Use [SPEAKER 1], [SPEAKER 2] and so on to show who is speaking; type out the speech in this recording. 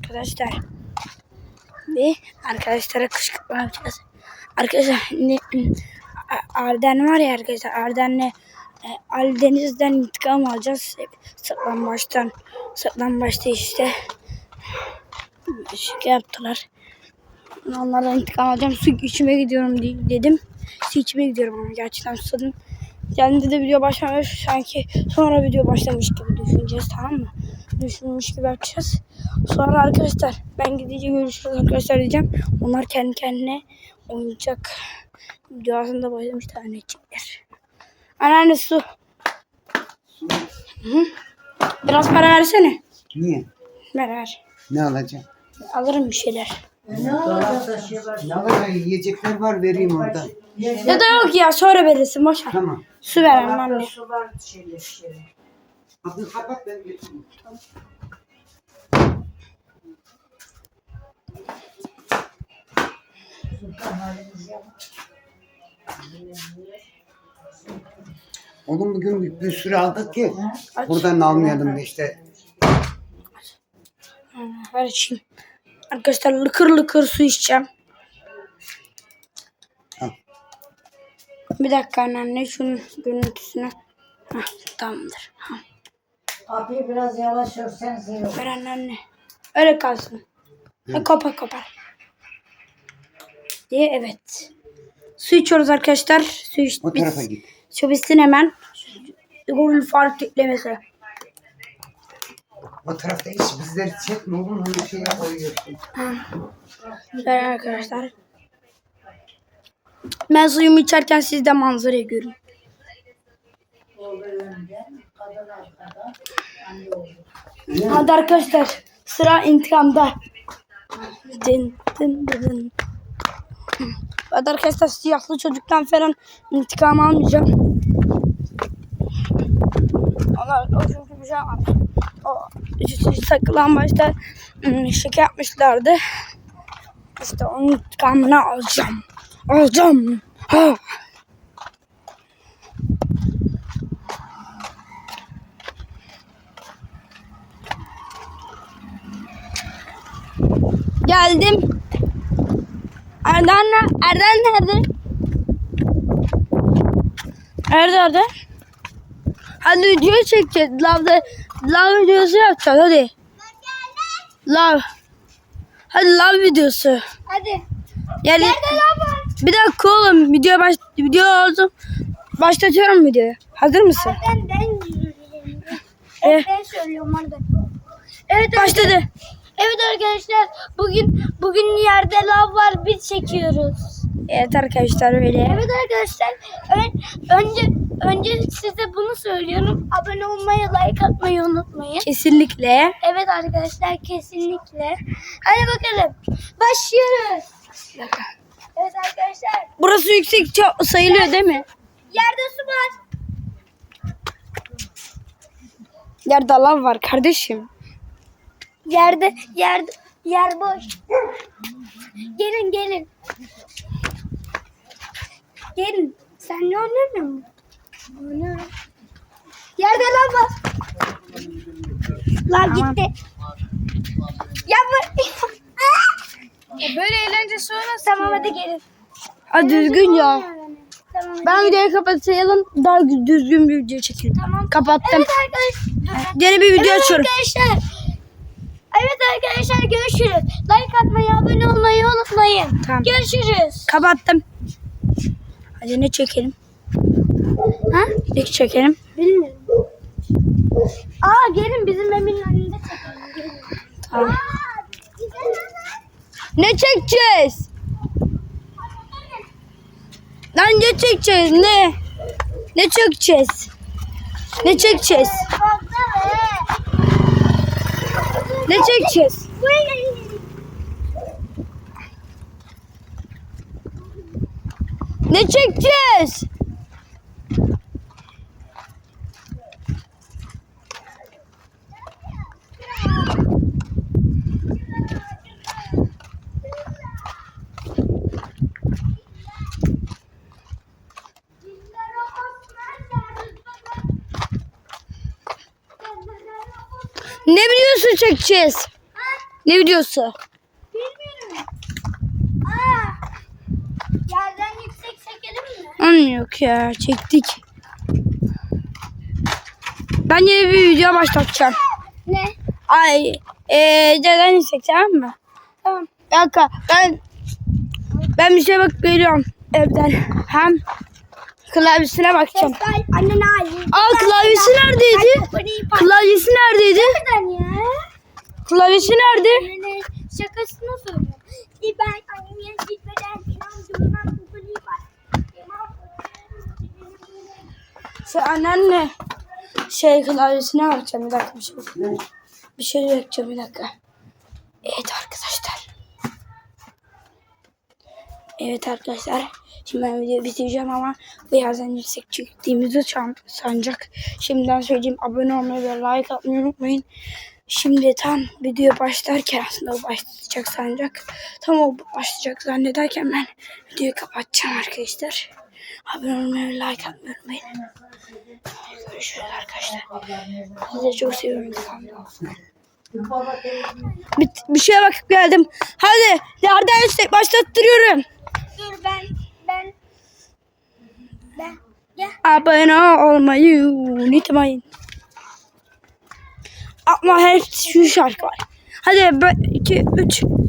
[SPEAKER 1] arkadaşlar. Ve arkadaşlara kışkırtma yapacağız. Arkadaşlar Arden var ya arkadaşlar. Arden'le Ali Deniz'den intikam alacağız. Saklambaçta işte şaka yaptılar. Onlardan intikam alacağım. Su içmeye gidiyorum dedim. Su içmeye gidiyorum ama gerçekten susadım. Kendi de video başlamış. Sanki sonra video başlamış gibi düşüneceğiz, tamam mı? Düşünmüş gibi yapacağız. Sonra arkadaşlar ben gidince görüşürüz arkadaşlar diyeceğim. Onlar kendi kendine oyuncak videosunda başlamışlar, anneciğimler. Anneanne su. Hı. Biraz para versene.
[SPEAKER 2] Niye?
[SPEAKER 1] Ver.
[SPEAKER 2] Ne alacağım?
[SPEAKER 1] Alırım bir şeyler.
[SPEAKER 2] Ne alacağım? Yiyecekler var, vereyim orada.
[SPEAKER 1] Ya da yok ya, sonra verirsin, boş ver.
[SPEAKER 2] Tamam.
[SPEAKER 1] Su ver anneanne.
[SPEAKER 2] Abi kapat, ben getireyim. Oğlum bugün bir sürü aldık ki buradan almayalım da işte.
[SPEAKER 1] Ver içeyim. Arkadaşlar lıkır lıkır su içeceğim.
[SPEAKER 2] Al.
[SPEAKER 1] Bir dakika anneanne, şunun görüntüsünü. Hah, tamamdır. Hah.
[SPEAKER 3] Abi biraz yavaş örsen iyi olur.
[SPEAKER 1] Ver anneanne. Öyle kalsın. Kopar. Diye evet. Su içiyoruz arkadaşlar. Su iç.
[SPEAKER 2] O tarafa git.
[SPEAKER 1] Su bitsin hemen. Google fark eklemesi.
[SPEAKER 2] O tarafta hiç bizleri çekme oğlum, onu şeye koyuyorsun.
[SPEAKER 1] Ver arkadaşlar. Ben suyumu içerken siz de manzarayı görün. Hadi arkadaşlar, sıra intikamda. Dın. Hadi arkadaşlar, siyahlı çocuktan falan intikam almayacağım. O çünkü bir şey var. O saklambaçta şaka yapmışlardı. İşte onun intikamını alacağım. Ha. Geldim. Erden nerede? Nerede? Hadi video çekeceğiz. Love videosu yapacağız hadi. Love. Hadi love videosu.
[SPEAKER 3] Hadi.
[SPEAKER 1] Yani
[SPEAKER 3] Nerede lan var?
[SPEAKER 1] bir dakika oğlum, video oldu. Başlatıyorum videoyu. Hazır mısın?
[SPEAKER 3] Ben söylüyorum orada. Evet
[SPEAKER 1] Başladı.
[SPEAKER 3] Evet arkadaşlar, bugün yerde lav var, biz çekiyoruz.
[SPEAKER 1] Evet arkadaşlar, öyle.
[SPEAKER 3] Evet arkadaşlar, önce size bunu söylüyorum. Abone olmayı, like atmayı unutmayın.
[SPEAKER 1] Kesinlikle.
[SPEAKER 3] Evet arkadaşlar, kesinlikle. Hadi bakalım, başlıyoruz. Evet arkadaşlar,
[SPEAKER 1] Burası yüksek sayılıyor değil mi?
[SPEAKER 3] yerde su var.
[SPEAKER 1] Yerde lav var kardeşim.
[SPEAKER 3] Yer boş. Gelin. Gelin. Sen ne oynuyorsun? Oynuyorum. Yerde lav var. Lav gitti. Yapma.
[SPEAKER 1] Böyle eğlencesi olmaz.
[SPEAKER 3] Tamam hadi gelin.
[SPEAKER 1] Hadi düzgün ya.
[SPEAKER 3] Tamam.
[SPEAKER 1] Ben videoyu kapatayım. Daha düzgün bir video çekelim.
[SPEAKER 3] Tamam.
[SPEAKER 1] Kapattım.
[SPEAKER 3] Evet arkadaşlar.
[SPEAKER 1] Yeni bir video
[SPEAKER 3] Evet
[SPEAKER 1] açıyorum.
[SPEAKER 3] Arkadaşlar görüşürüz. Like atmayı, abone olmayı unutmayın.
[SPEAKER 1] Tamam.
[SPEAKER 3] Görüşürüz.
[SPEAKER 1] Kapattım. Hadi ne çekelim?
[SPEAKER 3] Ha?
[SPEAKER 1] Ne çekelim?
[SPEAKER 3] Bilmiyorum. Gelin bizim evin önünde çekelim. Gelin.
[SPEAKER 1] Tamam. Ne çekeceğiz? Lan ne çekeceğiz? Ne? Ne çekeceğiz? Ne çekeceğiz? Ne çekeceğiz? Ne çekeceğiz? Ne biliyorsun çekeceğiz? Ne videosu?
[SPEAKER 3] Bilmiyorum. Aa, yerden yüksek çekelim mi?
[SPEAKER 1] Yok ya, çektik. Ben yeni bir video başlatacağım.
[SPEAKER 3] Ne?
[SPEAKER 1] Ay, neden yüksek, tamam mı?
[SPEAKER 3] Tamam.
[SPEAKER 1] Bir dakika, ben bir şey bakıp geliyorum evden. Hem klavyesine bakacağım.
[SPEAKER 3] Sesler annene ait.
[SPEAKER 1] Klavyesi neredeydi? Klavyesi neredeydi?
[SPEAKER 3] Neden ya?
[SPEAKER 1] Klavyesi nerede?
[SPEAKER 3] Annene şakasını söylüyorum. Ben anneye gitmeden inandığımdan kukuli var.
[SPEAKER 1] Anneanne klavyesine bakacağım, bir dakika, bir şey bakacağım, bir dakika. Evet arkadaşlar. Şimdi ben videoyu bitireceğim ama birazdan yüksek çektiğimizi sanacak. Şimdiden söyleyeyim, abone olmayı ve like atmayı unutmayın. Şimdi tam video başlarken, aslında o başlayacak sanacak. Tam o başlayacak zannederken ben videoyu kapatacağım arkadaşlar. Abone olmayı ve like atmayı unutmayın. Görüşürüz arkadaşlar. Sizi çok seviyorum. Bir şeye bakıp geldim. Hadi yerden yüksek başlattırıyorum.
[SPEAKER 3] Dur ben gel.
[SPEAKER 1] Abone olmayı unutmayın. Ama hep şu şarkı var. Hadi 2, 3.